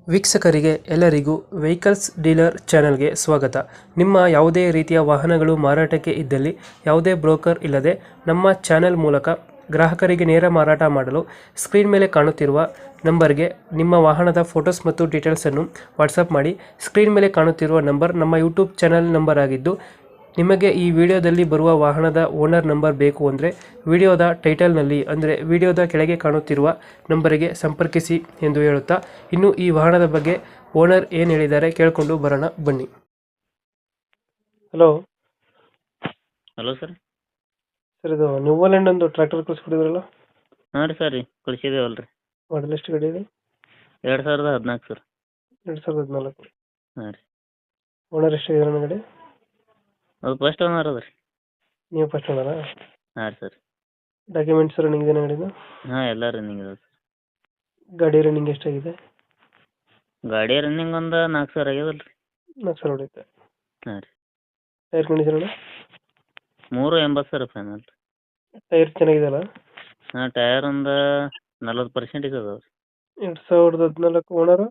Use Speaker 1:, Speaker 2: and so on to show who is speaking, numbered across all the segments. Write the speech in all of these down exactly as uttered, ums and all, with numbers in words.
Speaker 1: ವೀಕ್ಷಕರಿಗೆ ಎಲ್ಲರಿಗೂ vehicles dealer ಚಾನೆಲ್ಗೆ ಸ್ವಾಗತ. ನಿಮ್ಮ ಯಾವುದೇ ರೀತಿಯ ವಾಹನಗಳು ಮಾರಾಟಕ್ಕೆ ಇದ್ದಲ್ಲಿ ಯಾವುದೇ ಬ್ರೋಕರ್ ಇಲ್ಲದೆ ನಮ್ಮ ಚಾನೆಲ್ ಮೂಲಕ ಗ್ರಾಹಕರಿಗೆ ನೇರ ಮಾರಾಟ ಮಾಡಲು ಸ್ಕ್ರೀನ್ ಮೇಲೆ ಕಾಣುತ್ತಿರುವ ನಂಬರ್ಗೆ ನಿಮ್ಮ ವಾಹನದ ಫೋಟೋಸ್ ಮತ್ತು ಡೀಟೇಲ್ಸನ್ನು ವಾಟ್ಸಪ್ ಮಾಡಿ. ಸ್ಕ್ರೀನ್ ಮೇಲೆ ಕಾಣುತ್ತಿರುವ ನಂಬರ್ ನಮ್ಮ ಯೂಟ್ಯೂಬ್ ಚಾನೆಲ್ ನಂಬರ್ ಆಗಿದ್ದು, ನಿಮಗೆ ಈ ವಿಡಿಯೋದಲ್ಲಿ ಬರುವ ವಾಹನದ ಓನರ್ ನಂಬರ್ ಬೇಕು ಅಂದರೆ ವಿಡಿಯೋದ ಟೈಟಲ್ನಲ್ಲಿ ಅಂದರೆ ವಿಡಿಯೋದ ಕೆಳಗೆ ಕಾಣುತ್ತಿರುವ ನಂಬರಿಗೆ ಸಂಪರ್ಕಿಸಿ ಎಂದು ಹೇಳುತ್ತಾ, ಇನ್ನು ಈ ವಾಹನದ ಬಗ್ಗೆ ಓನರ್ ಏನು ಹೇಳಿದ್ದಾರೆ ಕೇಳಿಕೊಂಡು ಬರೋಣ ಬನ್ನಿ. Hello
Speaker 2: hello sir.
Speaker 1: ಸರ್, ಇದು ನ್ಯೂವಲ್ಯಾಂಡ್ ಒಂದು ಟ್ರ್ಯಾಕ್ಟರ್ ಕಳಿಸ್ಕೊಡಿದ್ರಲ್ಲ,
Speaker 2: ಹಾಂ ರೀ ಸರ್ ರೀ ಕಳಿಸಿದೇವಲ್ಲ ರೀ.
Speaker 1: ಮಾಡಲ್ ಎಷ್ಟು ಗಾಡಿ ಇದೆ?
Speaker 2: ಎರಡು ಸಾವಿರದ ಹದಿನಾಲ್ಕು ಸರ್.
Speaker 1: ಎರಡು ಸಾವಿರದ ಹದಿನಾಲ್ಕು.
Speaker 2: ಹಾಂ ರೀ.
Speaker 1: ಓನರ್ ಎಷ್ಟಾಗಿದ್ದಾರೆ ಗಾಡಿ?
Speaker 2: ಅದು ಫಸ್ಟ್ ಓನರ್ ಅದ ರೀ.
Speaker 1: ನೀವು ಫಸ್ಟ್ ಓನರಾ?
Speaker 2: ಹಾಂ ರೀ ಸರ್.
Speaker 1: ಡಾಕ್ಯುಮೆಂಟ್ಸ್ ರನ್ನಿಂಗ್ ಇದೆ ಗಾಡಿದು?
Speaker 2: ಹಾಂ ಎಲ್ಲ ರನ್ನಿಂಗ್ ಇದೆ ಸರ್.
Speaker 1: ಗಾಡಿ ರನ್ನಿಂಗ್ ಎಷ್ಟಾಗಿದೆ?
Speaker 2: ಗಾಡಿ ರನ್ನಿಂಗ್ ಒಂದು ನಾಲ್ಕು ಸಾವಿರ ಆಗ್ಯದಲ್ಲ ರೀ.
Speaker 1: ನಾಲ್ಕು ಸಾವಿರ ಹೊಡೆಯುತ್ತೆ.
Speaker 2: ಹಾಂ ರೀ.
Speaker 1: Tyre condition?
Speaker 2: ಮೂರು ಎಂಬತ್ತು ಸರ್ ಫೈನಲ್.
Speaker 1: ಟೈರ್ ಚೆನ್ನಾಗಿದೆಯಲ್ಲ?
Speaker 2: ಹಾಂ ಟಯರ್ ಒಂದು ನಲ್ವತ್ತು ಪರ್ಸೆಂಟೇಜ್ ಅದಾವೆ ರೀ.
Speaker 1: ಎರಡು ಸಾವಿರದ ಹದಿನಾಲ್ಕು ಓನರು?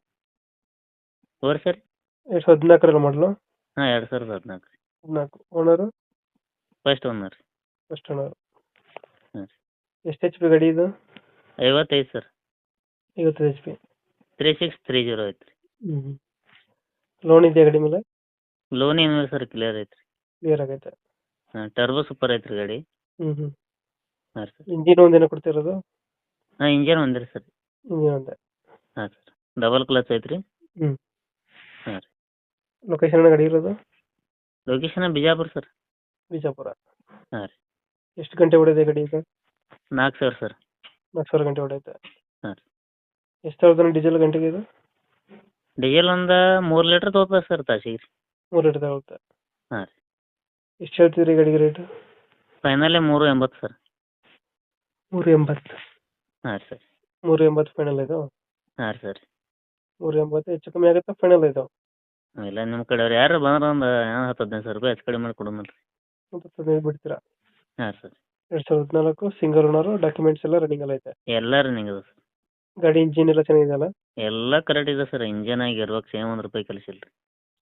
Speaker 2: ಓರಿ ಸರ್.
Speaker 1: ಎರಡು ಸಾವಿರದ ಹದಿನಾಲ್ಕರಲ್ಲಿ ಮಾಡಲು?
Speaker 2: ಹಾಂ ಎರಡು ಸಾವಿರದ ಹದಿನಾಲ್ಕು ರೀ.
Speaker 1: ಹದಿನಾಲ್ಕು. ಓನರು?
Speaker 2: ಫಸ್ಟ್ ಓನರ್ ರೀ.
Speaker 1: First owner.
Speaker 2: ಹಾಂ ರೀ.
Speaker 1: ಎಷ್ಟು ಎಚ್ ಪಿ ಗಾಡಿ ಇದು?
Speaker 2: ಐವತ್ತೈದು ಸರ್.
Speaker 1: ಐವತ್ತೈದು H P.
Speaker 2: Three six three zero ಐತೆ ರೀ.
Speaker 1: ಹ್ಞೂ. ಲೋನ್ ಇದೆಯಾ ಗಾಡಿ ಮೇಲೆ?
Speaker 2: ಲೋನ್ ಏನಿಲ್ಲ ಸರ್, ಕ್ಲಿಯರ್ ಐತೆ ರೀ.
Speaker 1: ಕ್ಲಿಯರ್ ಆಗೈತೆ.
Speaker 2: ಹಾಂ ಟರ್ಬೋ ಸೂಪರ್ ಐತೆ ರೀ ಗಾಡಿ.
Speaker 1: ಹ್ಞೂ ಹ್ಞೂ.
Speaker 2: ಹಾಂ ಸರ್.
Speaker 1: ಇಂಜಿನ್ ಒಂದೇನೋ ಕೊಡ್ತಿರೋದು?
Speaker 2: ಹಾಂ ಇಂಜನ್ ಒಂದೇ ರೀ ಸರ್.
Speaker 1: ಇಂಜಿನ್ ಒಂದೇ.
Speaker 2: ಹಾಂ ಸರ್. ಡಬಲ್ ಕ್ಲಚ್ ಐತೆ ರೀ.
Speaker 1: ಹ್ಞೂ.
Speaker 2: ಹಾಂ ರೀ.
Speaker 1: ಲೊಕೇಶನ್ ಗಾಡಿ ಇರೋದು?
Speaker 2: Location Bijapur sir.
Speaker 1: ಬಿಜಾಪುರ.
Speaker 2: ಹಾಂ ರೀ.
Speaker 1: ಎಷ್ಟು ಗಂಟೆ ಹೊಡೆದೆ ಗಾಡಿ ಈಗ?
Speaker 2: ನಾಲ್ಕು ಸಾವಿರ ಸರ್.
Speaker 1: ನಾಲ್ಕು ಸಾವಿರ ಗಂಟೆ ಹೊಡೆಯುತ್ತೆ.
Speaker 2: ಹಾಂ ರೀ.
Speaker 1: ಎಷ್ಟು ತಗೊಳ್ತಾನೆ ಡೀಸೆಲ್ ಗಂಟೆಗೆ ಇದು?
Speaker 2: ಡೀಸೆಲ್ ಒಂದು ಮೂರು ಲೀಟ್ರ್ ತೊಗೋತದೆ ಸರ್ ತಾಸಿಗೆ ರೀ.
Speaker 1: ಮೂರು ಲೀಟರ್ ತಗೊಳುತ್ತೆ.
Speaker 2: ಹಾಂ ರೀ.
Speaker 1: ಎಷ್ಟು ಹೇಳ್ತೀರಿ ಗಾಡಿಗೆ ರೇಟು?
Speaker 2: ಫೈನಲ್ಲೇ ಮೂರು ಎಂಬತ್ತು ಸರ್.
Speaker 1: ಮೂರು ಎಂಬತ್ತು?
Speaker 2: ಹಾಂ ರೀ ಸರ್.
Speaker 1: ಮೂರು ಎಂಬತ್ತು ಫೈನಲ್ ಇದು?
Speaker 2: ಹಾಂ ರೀ ಸರ್.
Speaker 1: ಮೂರು ಎಂಬತ್ತು ಹೆಚ್ಚು ಕಮ್ಮಿ ಆಗುತ್ತಾ ಫೈನಲ್ ಇದು?
Speaker 2: ಇಲ್ಲ ನಿಮ್ಮ ಕಡೆಯವ್ರು ಯಾರು ಬಂದ್ರೆ ಒಂದು ಹತ್ತು ಹದಿನೈದು ಸಾವಿರ ರೂಪಾಯಿ ಹೆಚ್ಚು ಕಡಿಮೆ ಮಾಡಿ ಕೊಡೋಣ ರೀ.
Speaker 1: ಒಂದು ಹದಿನೈದು ಬಿಡ್ತೀರಾ?
Speaker 2: ಹಾಂ ಸರ್.
Speaker 1: ಎರಡು ಸಾವಿರದ ಹದಿನಾಲ್ಕು ಸಿಂಗಲ್ ಓನರು, ಡಾಕ್ಯುಮೆಂಟ್ಸ್ ಎಲ್ಲ ರನ್ನಿಂಗ್ ಎಲ್ಲ ಐತೆ?
Speaker 2: ಎಲ್ಲ ರನ್ನಿಂಗ್ ಇದೆ ಸರ್.
Speaker 1: ಗಾಡಿ ಇಂಜಿನ್ ಎಲ್ಲ ಚೆನ್ನಾಗಿದೆಯಲ್ಲ?
Speaker 2: ಎಲ್ಲ ಕರೆಕ್ಟ್ ಇದೆ ಸರ್. ಇಂಜನ್ ಆಗಿ ಇರ್ಬೇಕು, ಸೇಮ್ ಒಂದು ರೂಪಾಯಿ ಕಲಿಸಿಲ್ಲ ರೀ.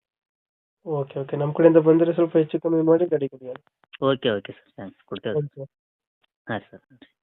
Speaker 1: Okay okay. ನಮ್ಮ ಕಡೆಯಿಂದ ಬಂದರೆ ಸ್ವಲ್ಪ ಹೆಚ್ಚು ಕಮ್ಮಿ ಮಾಡಿ ಗಾಡಿ ಕೊಡಿ.
Speaker 2: ಓಕೆ ಓಕೆ ಸರ್, ಥ್ಯಾಂಕ್ಸ್, ಕೊಡ್ತೇವೆ.
Speaker 1: ಓಕೆ.
Speaker 2: ಹಾಂ ಸರ್.